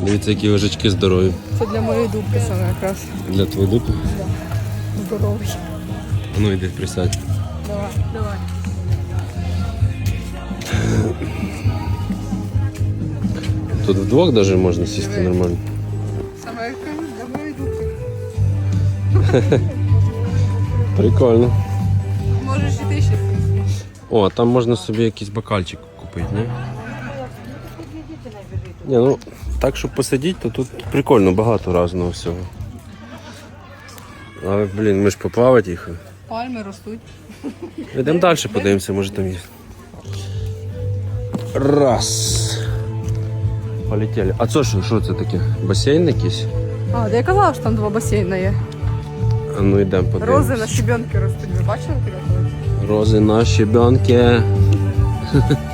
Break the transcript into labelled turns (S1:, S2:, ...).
S1: Дивіться, які лежачки здорові.
S2: Це для моєї дубки саме якраз.
S1: Для твоєї дупи?
S2: Да. Здоровий.
S1: Ну йди, присядь.
S2: Давай, давай.
S1: Тут вдвох навіть можна сісти нормально.
S2: Саме якраз для моєї дубки.
S1: Прикольно.
S2: Можеш і ти ще.
S1: О, там можна собі якийсь бокальчик купити, ні? Ні, ну, так, щоб посидіти, то тут прикольно, багато різного всього. Але, блін, ми ж поплавати їх.
S2: Пальми ростуть.
S1: Йдемо далі, подивимося, може там є. Раз. Полетіли. А це що це таке? Басейн якийсь?
S2: А, де я казала, що там 2 басейни є.
S1: А ну йдемо подивимося.
S2: Рози на щебенки ростуть. Ви бачили таке колись?
S1: Рози на щебенки.